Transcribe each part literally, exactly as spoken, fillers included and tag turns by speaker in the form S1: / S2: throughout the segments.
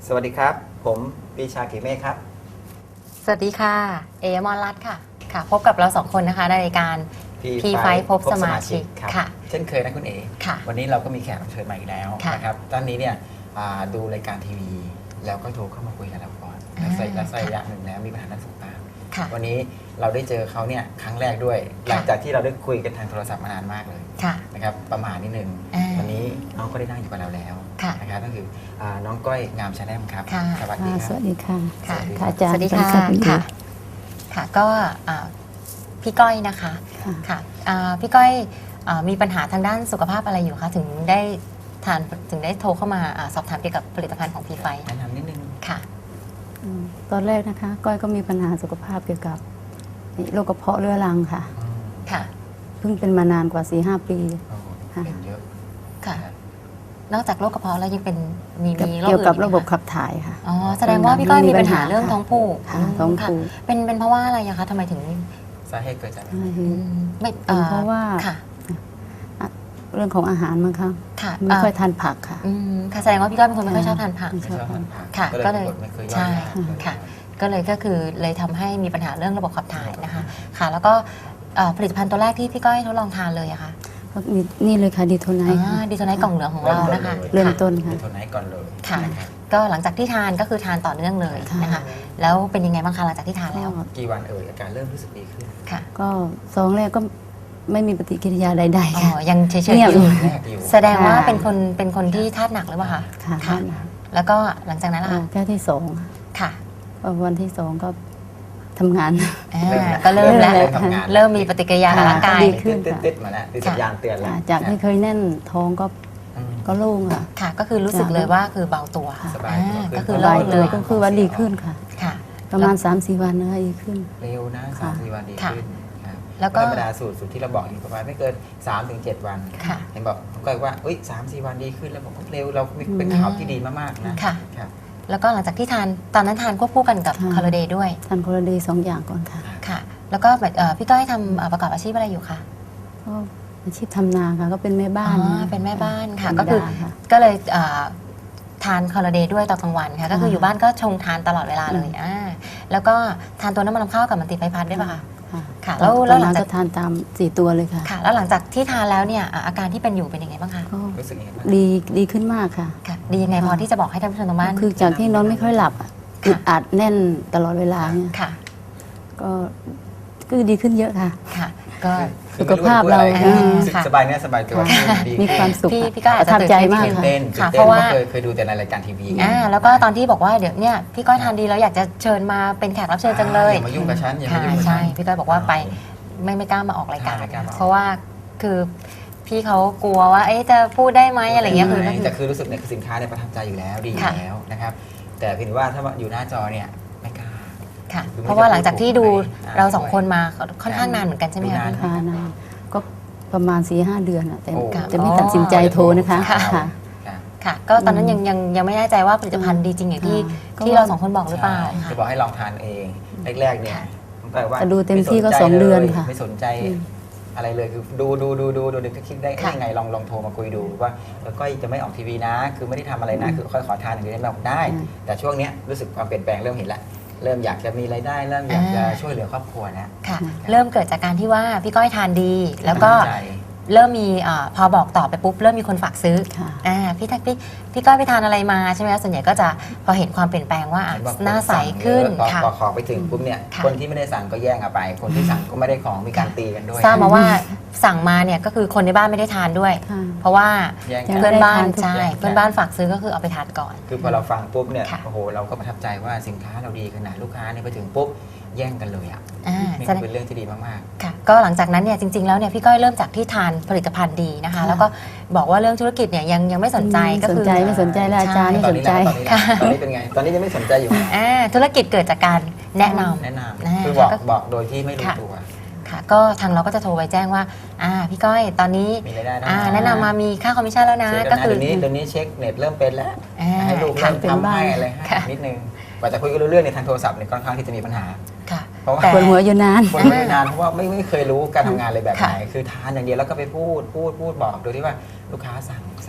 S1: สวัสดีครับผมปีชากิเมฆครับ
S2: สวัสดีค่ะเอมอนรัตน์ค่ะค่ะ พบกับเราสองคนนะคะในรายการ พี ไฟว์ พบสมาชิกค่ะ
S1: เช่นเคยนะคุณเอ๋
S2: ค่ะ
S1: วันนี้เราก็มีแขกรับเชิญมาอีกแล้ว
S2: ค่ะ
S1: นะครับท่านนี้เนี่ยอ่าดูรายการทีวีแล้วก็โทรเข้ามาคุยกับเราก่อน
S2: อ่า
S1: และสักระยะหนึ่งแล้วมีปัญหาด้านสุขภาพ
S2: ค่ะ
S1: วันนี้เราได้เจอเขาเนี่ยครั้งแรกด้วย หลังจากที่เราได้คุยกันทางโทรศัพท์มานานมากเลย
S2: ค่ะ
S1: นะครับประมาณนิดนึง
S2: อ่า
S1: วันนี้น้องก็ได้นั่งอยู่กับเราแล้ว
S2: ค่ะ
S1: นะครับก็คืออ่าน้องก้อยงามชาแนมครับ
S2: ค่ะ
S1: สวัสดีค
S3: ส
S1: รับ
S3: วัสดีค่ะ
S2: ค่ะ
S3: ค่ะอาจารย์
S2: สวัสดีค่ะ
S3: สวัสดี
S2: ค่ะ ค่ะ ก็อ่าพี่ก้อยนะคะ
S3: ค่ะ
S2: ค่ะอ่าพี่ก้อยอ่ามีปัญหาทางด้านสุขภาพอะไรอยู่คะถึงได้ทานถึงได้โทรเข้ามาอาสอบถามเกี่ยวกับผลิตภัณฑ์ของพีไฟ
S1: แนะนำนิดนึง
S2: ค่ะ
S3: อืมตอนแรกนะคะ ก้อยก็มีปัญหาสุขภาพเกี่ยวกับโรคกระเพาะเรื้อรังค่ะ
S1: อืม
S2: ค่ะ
S3: เพิ่งเป็นมานานกว่า สี่ห้า ปี
S1: โอ้
S3: ค่ะ
S1: เป็นเยอะ
S2: ค่ะ นอกจากโรคกระเพาะแล้วยังเป็นมีมีโรค
S3: เกี่ยวกับ
S2: อื่น
S3: ระ
S2: อี
S3: บบ
S2: ไหมค
S3: ขับถ่ายค่ะ
S2: อ๋อแสดงว่าพี่ก้อยมีปัญหา
S3: มีปัญหา
S2: เรื่องท้องผูก
S3: ค่ะท้องผูก
S2: ค่ะเป็นเป็นเพราะว่าอะไรอะคะทำไมถึง
S1: สาเหตุเกิดจากอะไร
S2: อืมไม่
S3: เป็นเพราะว่า
S2: ค่ะ
S3: เรื่องของอาหารมั้งคะ
S2: ค่ะ
S3: ไม่ค่อย
S2: เ
S3: ทานผักค่ะ
S2: อืมค่ะแสดงว่าพี่ก้อยเป็นคนไม่ค่อยชอบทานผัก
S3: ไม่
S1: ไม่
S3: ช
S1: ช
S3: อ
S1: อ
S3: บบ ทา
S1: ทาน นผัก
S2: ค่ะ
S1: ก็
S2: ก็
S1: เล
S2: เลย ย
S1: กดไม่เคยย่อย
S2: ใช่
S1: ยากเลย
S2: ค่ะ ก็เลยก็คือเลยทำให้มีปัญหาเรื่องระบบขับถ่ายนะคะ ค่ะ แล้วก็เอ่อผลิตภัณฑ์ตัวแรกที่พี่ก้อยทดลองทานเลยอะค่ะ
S3: ก็มีนี่เลยค่ะดีโทไนท์ค่ะ
S2: ดีโทไนท์กล่องเหลืองของเรานะคะ
S3: เริ่ม
S2: ค่ะ
S3: ต้นค่ะ
S1: มีตัวไหนก่อนเลย
S2: ค่ะ
S1: นะครับ
S2: ก็หลังจากที่ทานก็คือทานต่อเนื่องเลย
S3: ค่ะ
S2: นะคะ แล้วเป็นยังไงบ้างคะหลังจากที่ทานแล้ว
S3: ก็
S1: กี่วันเอ่ยอาการเริ่มรู้สึกดีขึ้น
S2: ค่ะ
S3: ก็ซองแรกก็ไม่มีปฏิกิริยาใด
S2: อ๋
S3: ๆค่ะ
S2: อยังเฉย
S3: เงี
S2: ๆ
S3: ยบ
S2: อยู่
S1: แรกอยู่
S2: แสดงว่า
S3: ค่ะ
S2: เป็นคนเป็นคนที่ธาตุหนักหรือเปล่าคะ
S3: ค่ะ
S2: ค่ะ แล้วก็หลังจากนั้นล่ะ
S3: เอ่อ
S2: คะ
S3: แก้วที่สอง
S2: ค่ะ
S3: ก็วันที่สองก็ทำงาน
S2: อ่า
S1: เริ่มแล้ว
S2: ก็เริ่มแล้ว
S3: เริ่ม
S1: ทำงาน
S2: เริ่มมีปฏิกิริยากับร่างกาย
S3: ดีขึ้น
S1: ติดติดๆๆมาแล้วติดสัญญาณเตือนแล้ว
S3: ค่ะจากที่เคยแน่นท้องก็
S1: อืม
S3: ก็โล่งค่ะ
S2: ค่ะ ก็คือรู้สึกเลยว่าคือเบาตัว
S1: สบายตัว
S2: อ่
S1: ขึ้น
S2: ก็คือ
S3: ส
S2: โล่
S3: บาย
S2: งเล
S3: ตัวย ก็คือว่าดีขึ้นค่ะ
S2: ค่ะ
S3: ประมาณ สามสี่ วันนะคะดีขึ้น
S1: เร็วนะสามสี่วันดี
S2: ค่ะ
S1: ขึ้นครับ
S2: แล้วก็
S1: ธรรมดาสูตรสูตรที่เราบอกอยู่ประมาณไม่เกินสามถึงเจ็ดวัน
S2: ค่ะ
S1: เห็นบอกผมก็ว่าเอ้ยสามสี่วันดีขึ้นแล้วผมก็เร็วเราเป็นข่าวที่ดีมากๆนะ
S2: ค่ะ
S1: ครับ
S2: แล้วก็หลังจากที่ทานตอนนั้นทานควบคู่กันกับ
S3: ค่ะ
S2: คาร์เดย์ด้วย
S3: ทานคนละเดย์สองอย่างก่อนค่ะ
S2: ค่ะ แล้วก็แบบเอ่อพี่ก้อยทำเอ่อประกอบอาชีพอะไรอยู่คะ
S3: ก็อาชีพทำนาค่ะ ก็เป็นแม่บ้าน
S2: อ๋อ
S3: นะ
S2: เป็นแม่บ้านค่ะ
S3: ธรรม
S2: ก็คือ
S3: ดาค่ะ
S2: ก็เลยเอ่อทานคาร์เดย์ด้วยตอนกลางวันค่ะ ก็คือ
S3: ค่ะ
S2: อยู่บ้านก็ชงทานตลอดเวลาเลย
S3: อืม
S2: อ่าแล้วก็ทานตัวน้ำมันลำข้าวกับมันติไฟพัดด้วยป่ะคะ
S3: ค่ะ
S2: ค่ะ
S3: แล้
S2: แล้ว ว
S3: แล้
S2: แล้ว วหลัง
S3: ก็
S2: จาก
S3: ทานตามสี่ตัวเลยค่ะ
S2: ค่ะ แล้วหลังจากที่ทานแล้วเนี่ยอ่ะอาการที่เป็นอยู่เป็นยังไงบ้างคะ
S3: ก็
S1: รู้สึกยังไงบ้าง
S3: ดีดีขึ้นมากค่ะ
S2: ค่ะ ดียังไงพอที่จะบอกให้ท่านผู้ชมทางบ้าน
S3: คือจากที่นอนไม่ค่อยหลับอะอึดอัดแน่นตลอดเวลาเนี่ย
S2: ค่ะ
S3: ก็ก็ดีขึ้นเยอะค่ะ
S2: ค่ะ ก็
S1: คือ
S3: สุขภาพเรา
S1: ไม่รู้จะพูดอะไร
S2: ค่ะ
S1: สบายเนื้อสบายตัว
S3: ค่ะ
S1: ดี
S3: มีความสุข
S2: พี่
S3: ค่ะ
S2: พี่ก็อาจ
S3: ประ
S2: จะ
S3: ทับใจมาก
S1: ตื่น
S3: ค่ะ
S1: เต้น
S2: ค่ะ
S1: ตื่น
S2: เพราะว่า
S1: เคยเคยดูแต่ในรายการทีวีไง
S2: อ่าแล้วก็ตอนที่บอกว่าเดี๋ยวเนี่ยพี่ก้อยทานดีแล้วอยากจะเชิญมาเป็นแขกรับเชิญจังเลย
S1: อย่ามายุ่งกับฉันอย่ามา
S2: ค่ะ
S1: ยุ่งกับฉั
S2: ใช่
S1: น
S2: พี่ก้อยบอกว่าไปไม่ไม่กล้ามาออกรายการ
S1: ไม่กล้ามาออก
S2: เพราะว่าคือพี่เขากลัวว่าเอ๊ะจะพูดได้ไหมอะไรเงี้ยคือก็คือ
S1: แต่คือรู้สึกเนี่ยคือสินค้าเนี่ยประทับใจอยู่แล้วดีอยู่
S2: ค่ะ
S1: แล้วนะครับ แต่เพียงว่าถ้าอยู่หน้าจอเนี่ยไม่กล้า
S2: ค่ะ
S1: คือไม่
S2: เพราะว่าหลังจากที่ดู
S1: อ่า
S2: เราสองคนมาค่อนข้างนานเหมือนกันใช่ไหม
S1: ดู
S2: คะ
S1: นาน
S3: ค่ะนานก็ประมาณสี่ห้าเดือนอะแต่
S1: โอ้
S3: จะไม่ตัดสินใจโทรนะคะ
S2: ค่ะ
S3: ค่ะ
S1: ค่ะ
S2: ค่ะ ก็ตอนนั้นยังยังยังไม่แน่ใจว่าผลิตภัณฑ์ดีจริงอย่างที่
S3: ค่ะ
S2: ที่เราสองคนบอกหรือเปล่า
S1: ใช่
S2: ค่ะ
S1: จะบอกให้ลองทานเองแรกๆเนี่ย
S2: ค่ะ
S1: ผมก็ว่า
S3: แต่ดูเต็มที่ก็
S1: ไสนใจ
S3: สองเดือน
S1: ลย
S3: ค่ะ
S1: ไม่สนใจ
S3: อืม
S1: อะไรเลยคือดูดูดูดูดูเด็กก็คิดได้
S2: ค่ะ
S1: ยังไงลองลองโทรมาคุยดูว่าแล้วก็จะไม่ออกทีวีนะ คือไม่ได้ทำอะไรนะ คือค่อยขอทานอย่างเดียวได้ไหมบอกได้
S3: อืม
S1: แต่ช่วงเนี้ยรู้สึกความเปลี่ยนแปลงเริ่มเห็นแล้วเริ่มอยากจะมีรายได้เริ่มอยากจะช่วยเหลือครอบครัวนะ
S2: ค่ะ เริ่มเกิดจากการที่ว่าพี่ก้อยทานดี แล้วก็
S1: ตั้งใจ
S2: เริ่มมีอาพอบอกต่อไปปุ๊บเริ่มมีคนฝากซื้อ
S3: ค่ะ
S2: อ่าพี่ทักพี่พี่ก้อยไปทานอะไรมาใช่ไหมคะส่วนใหญ่ก็จะพอเห็นความเปลี่ยนแปลงว่าอ่ะ
S1: เห็นบอก
S2: หน้าใส
S1: สั่ง
S2: ขึ้น
S1: เยอะพอ
S2: ค่ะ
S1: พอของไปถึงปุ๊บเนี่ย
S2: ค่ะ
S1: คนที่ไม่ได้สั่งก็แย่งเอาไป คนที่สั่งก็ไม่ได้ของมีการตีกันด้วย
S2: ทราบมาว่าสั่งมาเนี่ยก็คือคนในบ้านไม่ได้ทานด้วย
S3: ค่ะ
S2: เพราะว่า
S1: แย่ง
S3: ยั
S1: กั
S3: ง
S1: น
S2: เพื่อนบ้าน
S3: ไม่ได้ทานทุก
S2: ใช่
S1: อย่าง
S2: เพื่อนบ้านฝากซื้อก็คือเอาไปทานก่อน
S1: คือพอเราฟังปุ๊บเนี่ย
S2: ค่ะ
S1: โอ้โหเราก็ประทับใจว่าสินค้าเราดีขนาดลูกค้าเนี่ยไปถึงปุ๊บแย่งกันเลยอ่ะ
S2: อ่า
S1: นี่
S2: แสดง
S1: เป็นเรื่องที่ดีมาก
S2: ค่ะก็หลังจากนั้นเนี่ยจริง ๆแล้วเนี่ยพี่ก้อยเริ่มจากที่ทานผลิตภัณฑ์ดีนะคะ
S3: ค่ะ
S2: แล้วก็บอกว่าเรื่องธุรกิจเนี่ยยังยังไม่สนใจก็
S3: สน
S2: คือ
S3: ใจไม่สนใจแล้วอาจารย์
S1: ๆ
S3: ไม่
S1: ตอ
S3: ส
S1: น
S3: น
S1: นี้
S3: ใจ
S1: นะตอนนี้นะตอนนี้เป็นไง ตอนนี้ยังไม่สนใจอยู่นะ
S2: อ่าธุรกิจเกิดจากการแนะนำ
S1: แนะน
S2: อ่า
S1: ำคือบอก
S2: ก็
S1: บอกโดยที่ไม่รู้
S2: ค่ะ
S1: ตัว
S2: ค่ะ ก็ทางเราก็จะโทรไปแจ้งว่าอ่าพี่ก้อยตอนนี้
S1: มีรายได้
S2: อ่า
S1: นะ
S2: แนะนำมามีค่าคอมมิชชั่นแล้วนะ
S1: เช็ค
S2: ก็
S1: แล้วนะ
S2: คือ
S1: เดี๋ยวนี้เดี๋ยวนี้เช็คเน็ตเริ่มเป็นแล้ว
S2: อ่า
S1: ให้ลูก
S2: ค่ะ
S1: เริ่มทำให้อะไรให้
S2: ค่ะ
S1: นิดนึงกว่าจะคุยกันรู้เรื่องในทางโทรศัพท์เนี่ยค่อนข้างที่จะมีปัญหา
S2: ค่ะ
S1: เพราะว่า
S2: แต่
S3: ปวดหัวอยู่นาน
S1: คนไม่นานเพราะว่าไม่ไม่เคยรู้การทำงานเลยแบบไหน
S2: ค่ะ
S1: คือทานอย่างเดียวแล้วก็ไปพูดพูดพูดบอกโดยที่ว่าลูกค้าสั่งสั่ง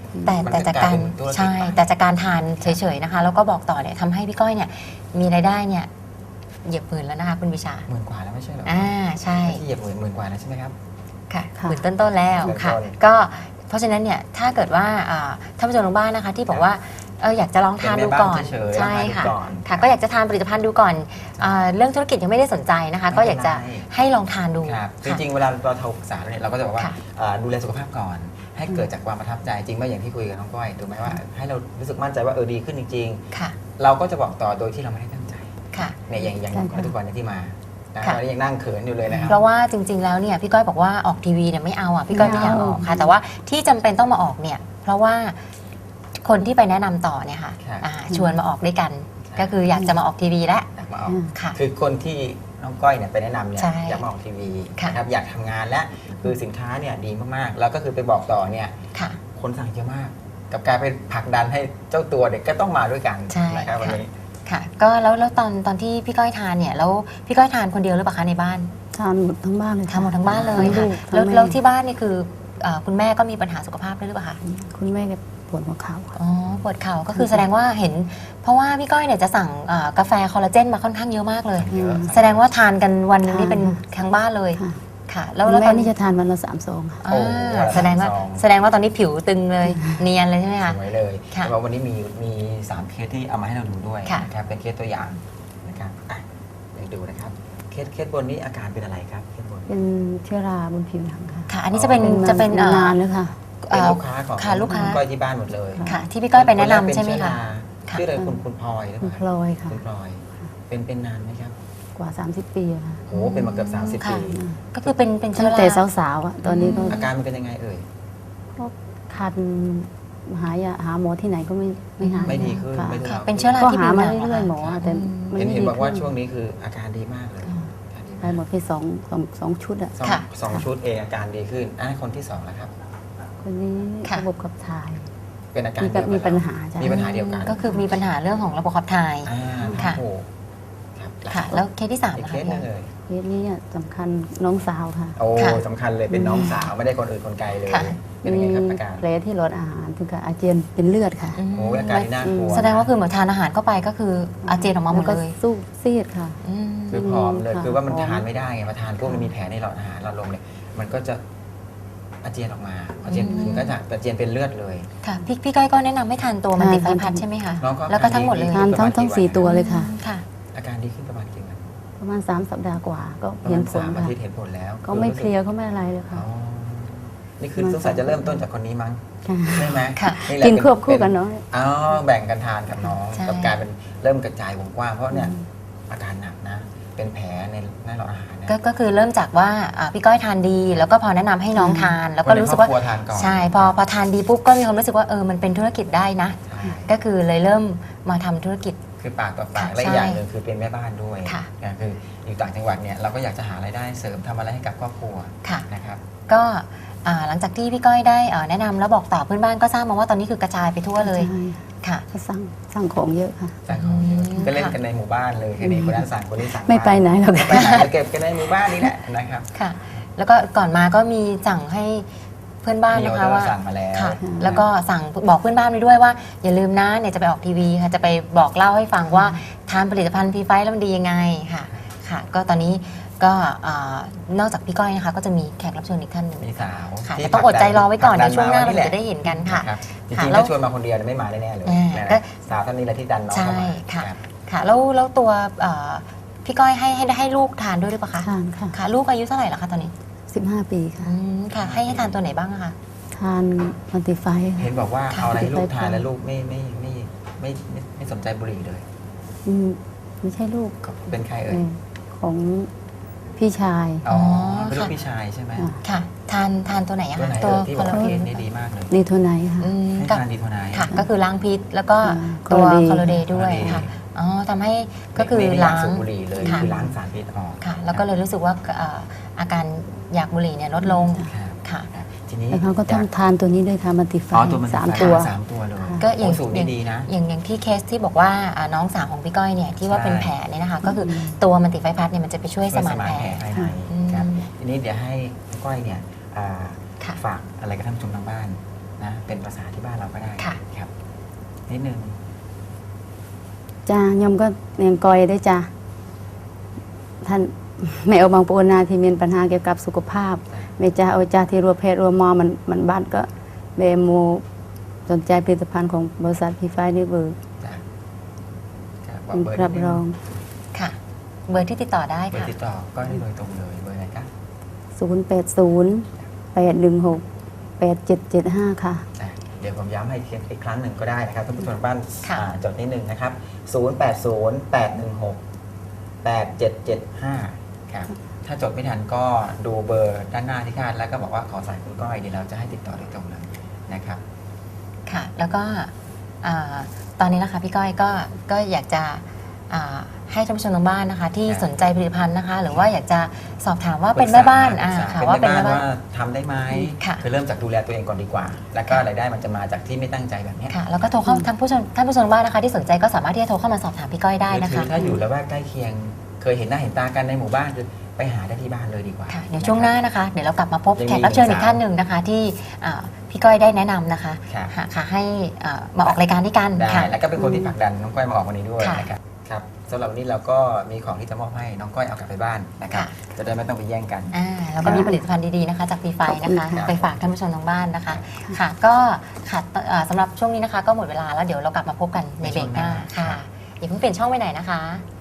S2: แต่
S1: มัน
S2: แต่จากการ
S1: กลายเป็นธุรกิจ
S2: ใช่
S1: ไป
S2: แต่จากการทานเฉยๆนะคะ แล้วก็บอกต่อเนี่ยทำให้พี่ก้อยเนี่ยมีรายได้เนี่ยเหยียบหมื่นแล้วนะคะคุณวิชา
S1: หมื่นกว่าแล้วไม่ใช่เหรอ
S2: อ่าใช่
S1: ที่เหยียบหมื่นหมื่นกว่าแล้วใช่ไหมครับ
S2: ค่ะ
S3: ค่ะ
S2: หมื่นต้นๆแล้ว
S1: ต้นๆ
S2: ค่ะ ก็เพราะฉะนั้นเนี่ยถ้าเกิดว่าอ่าท่านผู้ชมทางบ้านนะคะที่บอกว่าเอออยากจะลองทานดูก่อน
S1: เป็นแม่บ้านเฉยๆ
S2: ใช่
S1: ลองทานดู
S2: ค่ะ
S1: ก่อน
S2: ค่ะ ก็อยากจะทานผลิตภัณฑ์ดูก่อนอ่าเรื่องธุรกิจยังไม่ได้สนใจนะคะ ก็อยากจะให้ลองทานดู
S1: ครับจ
S2: ค่ะ
S1: ริงๆ เวลาเราโทรปรึกษาเนี่ยเราก็จะบอกว่า
S2: ค่ะ
S1: เอ่อดูแลสุขภาพก่อน ให้เกิดจากความประทับใจจริงไหมอย่างที่คุยกับน้องก้อยถูกไหมว่าให้เรารู้สึกมั่นใจว่าเออดีขึ้นจริง
S2: ค่ะ
S1: ๆ เราก็จะบอกต่อโดยที่เราไม่ได้ตั้งใจ
S2: ค่ะ
S1: เนี่ยอย่างอย่าง
S3: ใช่
S1: น้องก้อย
S3: ค่ะ
S1: ทุกวันเนยที่มานะ
S2: ค่ะ
S1: ตอนนี้ยังนั่งเขินอยู่เลยนะค
S2: เพ
S1: รับ
S2: ราะว่าจริง ๆ แล้วเนี่ยพี่ก้อยบอกว่าออกทีวีเนี่ยไม่เอาอ่ะพี่ก้อยไม่อยากออกค่ะ แต่ว่าที่จำเป็นต้องมาออกเนี่ยเพราะว่าคนที่ไปแนะนำต่อเนี่ยค่ะ
S1: ครับ
S2: อ่าชวนมาออกด้วยกัน
S1: ครับ
S2: ก็คืออยากจะมาออกทีวีแล้ว
S1: อยากมาออก
S3: อืม
S2: ค่ะ
S1: คือคนที่น้องก้อยเนี่ยไปแนะนำเนี่ย
S2: ใช่
S1: อยากมาออกทีวี
S2: ค่ะ
S1: นะครับอยากทำงานและคือสินค้าเนี่ยดีมากๆ แล้วก็คือไปบอกต่อเนี่ย
S2: ค่ะ
S1: คนสั่งเยอะมาก กับการไปผลักดันให้เจ้าตัวเด็กก็ต้องมาด้วยกัน
S2: ใช่
S1: นะครับวัน
S2: ค่ะ
S1: นี้
S2: ค่ะ ก็แล้วแล้วตอนตอนที่พี่ก้อยทานเนี่ยแล้วพี่ก้อยทานคนเดียวหรือเปล่าคะในบ้าน
S3: ทานหมดทั้งบ้านเลยค่ะ
S2: ทานหมดทั้งบ้านเลย
S3: ทั้ง
S2: ค่ะ
S3: ลูกทั้ง
S2: แล้ว
S3: ม่
S2: แล้วที่บ้านนี่คือเอ่อคุณแม่ก็มีปัญหาสุขภาพด้วยหรือเปล่าคะ
S3: คุณแม่แกปวดหัวเข่าค่ะ
S2: อ๋อปวดเข่าก็คือแสดงว่าเห็น เพราะว่าพี่ก้อยเนี่ยจะสั่งเอ่อกาแฟคอลลาเจนมาค่อนข้างเยอะมากเลย
S1: เยอะ
S2: แสดงว่าทานกันวันหนึงนี่
S3: ทาน
S2: เป็นทั้งบ้านเลย
S3: ค่ะ
S2: ค่ะ แล้
S3: แล้ว ว
S2: แล้ว
S3: แม่
S2: ตอน
S3: นี่จะทานวันละสามซองค่ะ
S2: อ่า
S1: โอ้โห
S2: แสดงว่า
S1: สอง
S2: แสดงว่าตอนนี้ผิวตึงเลย เนียนเลยใช่ไหมคะ
S1: สวยเลย
S2: ค่ะ
S1: แต่ว่าวันนี้มีมีสามเคสที่เอามาให้เราดูด้วย
S2: ค่ะ
S1: นะครับเป็นเคสตัวอย่างนะครับอ่ะเดี๋ยวดูนะครับเคสเคสบนนี้อาการเป็นอะไรครับเคสบน
S3: เป็นเชื้อราบนผิวหนังค่ะ
S2: ค่ะ อันนี้จะเป็น
S3: มา
S2: จะเป็นเอ่อ
S3: นานแล้วค่ะ
S1: เป็นลูกค้าของ
S2: ค่ะลูกค้า
S1: ณก้อยที่บ้านหมดเลย
S2: ค่ะ ที่พี่ก้อยไปแนะนำ
S1: ครก
S2: ใช่ไหม
S1: เป็น
S2: คะ
S1: เชื้อรา
S2: ค่ะ
S1: ชื่ออะไรคุณคุณพลอยหรือ
S3: คุ
S1: เป
S3: ณ
S1: ล่า
S3: พลอยค่ะ
S1: คุณพลอย เป็นเป็นนานไหมครับ
S3: กว่า สามสิบ ปีอะค่ะ
S1: โอ้เป็นมาเกือบสามสิบ
S2: ค่ะ
S1: ปี
S2: ก็คือเป็นเป็นเชื้
S3: ตั้
S2: อง รา
S3: แต่สาวๆอะตอนนี้ก็
S1: อาการมันเป็นยังไงเอ่ย
S3: ก็คันหายาหาหมอที่ไหนก็ไม่ไม่หาย
S1: ไม่ดีขึ้น
S3: ค่ะ
S1: ไม่ทุเลา
S2: ค่ะเป็นเชื้อรา
S3: ก็
S2: ที่
S3: หา
S2: ผิวห
S3: มา
S2: นัง
S3: เรื่อยๆหมอ
S2: ค่ะ
S3: แต่ไม่
S1: เห็น
S3: ไม่
S1: เห็น
S3: ดี
S1: บอกว่า
S3: ขึ้น
S1: ช่วงนี้คืออาการดีมากเลย
S3: ค่ะ
S1: อาการดี
S3: ไป
S1: มาก
S3: หมดไปสองสองสองชุดอะ
S1: สอง
S2: ค่ะ
S1: สองชุดเองอาการดีขึ้นอ่ะคนที่สองแล้วครับ
S3: คนนี้
S2: ค่ะ
S3: ระบบขับถ่าย
S1: เป็นอาการ
S3: มี
S1: เดียวกัน
S3: มีปัญหาจ้ะ
S1: มีปัญหาเดียวกัน
S2: ก็คือมีปัญหาเรื่องของระบบขับถ่าย
S1: อ่า
S2: ค่ะ
S1: โอ้โหครับ
S2: ค่ะ แล้วเคสที่สาม
S1: อีก
S2: นะ
S1: เค
S2: คะ
S1: สหนึงเลย
S3: เคสนี้อะสำคัญน้องสาวค่ะ
S1: โอ้
S2: ค่ะ
S1: สำคัญเลยเป็นน้องสาวไม่ได้คนอื่นคนไกลเลย
S2: ค่ะ
S1: เป็นยังไงครับอาการ
S3: แผลที่หลอดอาหารถึงกับอาเจียนเป็นเลือดค่ะ
S2: ม
S1: โอ้อาการที่น่ากลัว
S2: แสดงว่าคือเหมือนทานอาหารเข้าไปก็คืออาเจียนออกมาหมด
S3: แล้วก็
S2: เลย
S3: สู้ซีดค่ะ
S2: อืม
S1: คือผอมเลย
S3: ค่ะ
S1: คือว่ามัน
S3: ผอม
S1: ทานไม่ได้ไงมาทานพวกมันมีแผลในหลอดอาหารหลอดลมเนี่ยมันก็จะอาเจียนออกมาอาเจียน
S2: อืม
S1: ถึงก็จะอาเจียนเป็นเลือดเลย
S2: ค่ะพี่พี่ก้อยก็แนะนำให้ทานตัวมันติไฟพัดใช่ไหมคะ
S1: น้องก็
S2: แล้วก็ทั้งหมดเลย
S3: ทานทั้งทั้งสี่ตัวเลยค่ะ
S2: ค่ะ
S1: อาการดีขึ้นประมาณกี่วัน
S3: ประมาณสามสัปดาห์กว่าก็
S1: ประ
S3: เห็
S1: มาน ณ
S3: ผล
S1: สามอา
S3: ค่ะ
S1: ทิตย์เห็นผลแล้ว
S3: ก็ไม่เพลียก็ไม่อะไรเลย
S1: อ๋
S3: ค่ะ
S1: อนี่คือสงสัยจะเริ่มต้นจากคนนี้มั้ง
S3: ค่ะ
S1: ใช่ไหม
S2: ค่ะ
S1: แหละ
S3: กิน
S1: เป็
S3: ควบคู่กัน
S1: เป็
S3: เนาะ
S1: อ๋อแบ่งกันทานกับน้อง
S2: ใช่
S1: กับกลายเป็นเริ่มกระจายวงกว้างเพราะเนี่ยอาการหนักนะ เป็นแผลในหน้าหลอดอาหารนะ
S2: ก็ก็คือเริ่มจากว่าอ่าพี่ก้อยทานดี แล้วก็พอแนะนำให้น้องทาน แล้วก็รู้สึกว่า
S1: คนในครอบครัวทานก่อน
S2: ใช่พอพอทานดีปุ๊บก็มีความรู้สึกว่าเออมันเป็นธุรกิจได้นะ
S1: ใช่
S2: ก็คือเลยเริ่มมาทำธุรกิจ
S1: คือปากต่อปาก
S2: ค่ะ
S1: และอีกอย่างหนึ่งคือเป็นแม่บ้านด้วย
S2: ค่ะ
S1: นะคืออยู่ต่างจังหวัดเนี่ยเราก็อยากจะหารายได้เสริมทำอะไรให้กับครอบครัว
S2: ค่ะ
S1: นะครับ
S2: ก็อ่าหลังจากที่พี่ก้อยได้เอ่อแนะนำแล้วบอกต่อเพื่อนบ้านก็ทราบมาว่าตอนนี้คือกระจายไปทั่วเลย
S3: ใช่
S2: ค่ะ
S3: ก็สั่งสั่งของเยอะค่ะ
S1: สั่งของเยอะ
S2: อืม
S1: ก็เล่น
S2: ค่ะ
S1: กันในหมู่บ้านเลยแค่นี้คนนั้นสั่งคนนี้สั่ง
S3: ไม่ไปไหนหรอก
S1: ไม่ไปไหนเก็บกันในหมู่บ้านนี่แหละนะครับ
S2: ค่ะ แล้วก็ก่อนมาก็มีสั่งให้เพื่อนบ้าน
S1: มีอ
S2: นะ
S1: อ
S2: คะ
S1: เดอ
S2: ว่า
S1: ร์สั่งมาแล้ว
S2: ค่ะ แล้วก็สั่งบอกเพื่อนบ้านไปด้วยว่า อย่าลืมนะเนี่ยจะไปออกทีวีค่ะจะไปบอกเล่าให้ฟังว่าทานผลิตภัณฑ์พีไฟแล้วมันดียังไงค่ะค่ะ ก็ตอนนี้ก็อ่านอกจากพี่ก้อยนะคะก็จะมีแขกรับเชิญอีกท่านหนึ่ง
S1: มีสาว
S2: ค่ะ
S1: ที่
S2: แต่ต้องอดใจรอไว้ก่อน
S1: ผลั
S2: เดี๋ยวช่วงหน้าเรา
S1: ดั
S2: จะได้เห็นกันค่ะ
S1: นะครับจ
S2: ค่ะ
S1: ริงๆ
S2: แล้ว
S1: ถ้าชวนมาคนเดียวเนี่ยไม่มาแน่ๆเลย
S2: อ่า
S1: นะ
S2: ก็
S1: สาวท่านนี้แหละที่ดันน้องเข้ามา
S2: ใช่ค่ะ
S1: รับ
S2: ค่ะแล้วแล้วตัวเอ่อพี่ก้อยให้ให้ให้ลูกทานด้วยหรือเปล่าคะ
S3: ทานค่ะ
S2: ค่ะ ลูกอายุเท่าไหร่แล้วคะตอนนี้
S3: สิบห้า ปีค่ะ
S2: อืมค่ะ ให้ให้ทานตัวไหนบ้างอะคะ
S3: ทานมันติไฟ
S1: เห็นบอกว่า
S2: ค่ะ
S1: เอาอะไรให้ลูกทาน
S3: ไปๆ
S1: แล้วลูกไม่ไม่ไม่ไม่ไม่ไม่สนใจบุหรี่เลย
S3: อืมไม่ใช่ลูก
S1: เป็นใคร
S3: เอ
S1: เอ่ย
S3: อของพี่ชาย
S1: อ๋อ
S2: ค่ะ
S1: เป็นลูกพี่ชายใช่ไหม
S3: อ่า
S2: ค่ะ ทานทานตัวไหนอะ
S1: ตัว
S2: คะ
S1: ไหน
S2: ตัว
S1: เอ่ยที่
S2: ค
S1: บ
S2: อ
S1: อก
S2: ลลา
S1: ว่า
S2: เจน
S1: นี่ดีมากเลย
S3: นีโทไนท์ค่ะ
S2: อืม
S1: ให้
S2: กับ
S1: ทานดีโทไนท์
S2: ค่ะ ก็คือล้างพิษแล้วก็
S3: อ่า
S2: ตัว
S3: ค
S2: ค
S3: อ
S2: อ
S3: ล
S2: ล
S3: ลา
S2: เด
S3: เจน
S2: ย์ด้วย
S1: คอลลาเจน
S2: ค่ะอ๋อทำให้ก็คือ
S1: ไม่ได้อยา
S2: ล้าก ง
S1: สูบบุหรี่เลย
S2: ค่ะ
S1: คือล้างสารพิษออก
S2: ค่ะ แล้วก็เลยรู้สึกว่าเอ่ออาการอยากบุหรี่เนี่ยลดลง
S1: ครับ
S2: ค่ะ
S1: ครับทีนี้
S3: แล้วเขาก็ต้องทานตัวนี้ด้วยทานมันติไฟ
S1: อ๋อตัวมัน
S3: สาม
S1: ไฟ
S3: ตัว
S1: สามตัวเลย
S2: ก็อย่าง
S1: โสูตรนี้ดีนะ
S2: อย่างอย่างที่เคสที่บอกว่าอ่าน้องสาวของพี่ก้อยเนี่ยที่ว่า
S1: ใช่
S2: เป็นแผลเนี่ยนะคะ ก็คือตัวมันติไฟพัดเนี่ยมันจะไปช่วยสมานแผล
S1: ภายใน
S2: อืม
S1: ครับทีนี้เดี๋ยวให้น้องก้อยเนี่ยอ่า
S2: ค่ะ
S1: ฝากอะไรกับท่านผู้ชมทางบ้านนะเป็นภาษาที่บ้านเราก็ได้
S2: ค่ะ
S1: ครับนิดนึง
S3: จ้ายมก็เนียงกอยได้จ้าท่านแม่เอาบางปวนาที่มีปัญหาเกี่ยวกับสุขภาพแม่จ้าเอาจ้าที่รัวเพศรัวมอมันมันบ้านก็เบโมสนใจผลิตภัณฑ์ของบริษัทพีไฟนี่เบอร์
S1: จ้ะครับบอ
S3: เป็
S1: ก
S3: น
S1: เบอร์
S3: รับ
S1: นิดนึ
S3: รอง
S2: ค่ะ เบอร์ที่ติดต่อได้
S1: เบอร์
S2: ค่ะ
S1: ติดต่อก็ได้โดยตรงเลยเบอร์ไหนครับ
S3: ศูนย์แปดศูนย์แปดหนึ่งหกแปดเจ็ดเจ็ดห้าค่ะ
S1: อ่ะเดี๋ยวผมย้ำให้อีกครั้งหนึ่งก็ได้นะครับท่านผู้ชมทางบ้าน
S2: ค่ะ
S1: อ่าจดนิดหนึ่งนะครับ ศูนย์ แปด ศูนย์ แปด หนึ่ง หก แปด เจ็ด เจ็ด ห้า ครับ ถ้าจดไม่ทันก็ดูเบอร์ด้านหน้าที่คาดแล้วก็บอกว่าขอสายคุณก้อยเดี๋ยวเราจะให้ติดต่อโดยตรงเลยนะครับ
S2: ค่ะ แล้วก็อ่าตอนนี้นะคะพี่ก้อยก็ก็อยากจะอ่าให้ท่านผู้ชมทางบ้านนะคะ ที่
S1: ครับ
S2: สนใจผลิตภัณฑ์นะคะ หรือว่าอยากจะสอบถามว่าเป็นแม่บ้านอ่า
S1: ปรึกษ
S2: ค่ะ
S1: เป็น
S2: ว่า
S1: แม่
S2: เป็น
S1: บ้าน
S2: แม่บ้าน
S1: ว่าทำได้ไหม
S2: ค่ะ
S1: คือเริ่มจากดูแลตัวเองก่อนดีกว่า แล้วก็รายได้มันจะมาจากที่ไม่ตั้งใจแบบเนี้ย
S2: ค่ะ แล้วก็โทรเข้าท่านผู้ชมท่านผู้ชมทางบ้านนะคะ ที่สนใจก็สามารถที่จะโทรเข้ามาสอบถามพี่ก้อยได้นะ
S1: คื
S2: คะ
S1: อถ้าอยู่แล้วว่าใกล้เคียงเคยเห็นหน้าเห็นตากันในหมู่บ้านคือไปหาได้ที่บ้านเลยดีกว่า
S2: ค่ะ เดี๋ยวช่วงหน้า
S1: ะครับ
S2: นะคะ เดี๋ยวเรากลับมาพบ
S1: ยังมี
S2: แขกรับเชิญ
S1: หนึ่
S2: อี
S1: ง
S2: ก
S1: สาว
S2: ท่านหนึ่งนะคะ ที่อ่าพี่ก้อยได้แนะนำนะคะ
S1: ครับ
S2: ค่ะค่ะให้อ่ามาออกรายการด้วยกัน
S1: ได้
S2: ค่ะ
S1: แล้วก็เป็นคนที่ผลักดันน้องก้อยมาออกวันนี้ด้วย
S2: ค่ะ
S1: นะครับครับสำหรับวันนี้เราก็มีของที่จะมอบให้น้องก้อยเอากลับไปบ้านนะครับ
S2: ค่ะ
S1: จะได้ไม่ต้องไปแย่งกัน
S2: อ่าแล้วก็มีผลิตภัณฑ์ดีๆนะคะ จากปีไฟนะคะ
S3: ขอบคุณค่ะ
S2: ไปฝากท่านผู้ชมทางบ้านนะคะ ค่ะ ก็ค่ะเอ่อสำหรับช่วงนี้นะคะ ก็หมดเวลาแล้วเดี๋ยวเรากลับมาพบกันในเบรกหน้า
S1: ในช่วงหน้า
S2: ค่ะอย่าเพิ่งเปลี่ยนช่องไปไหนนะคะ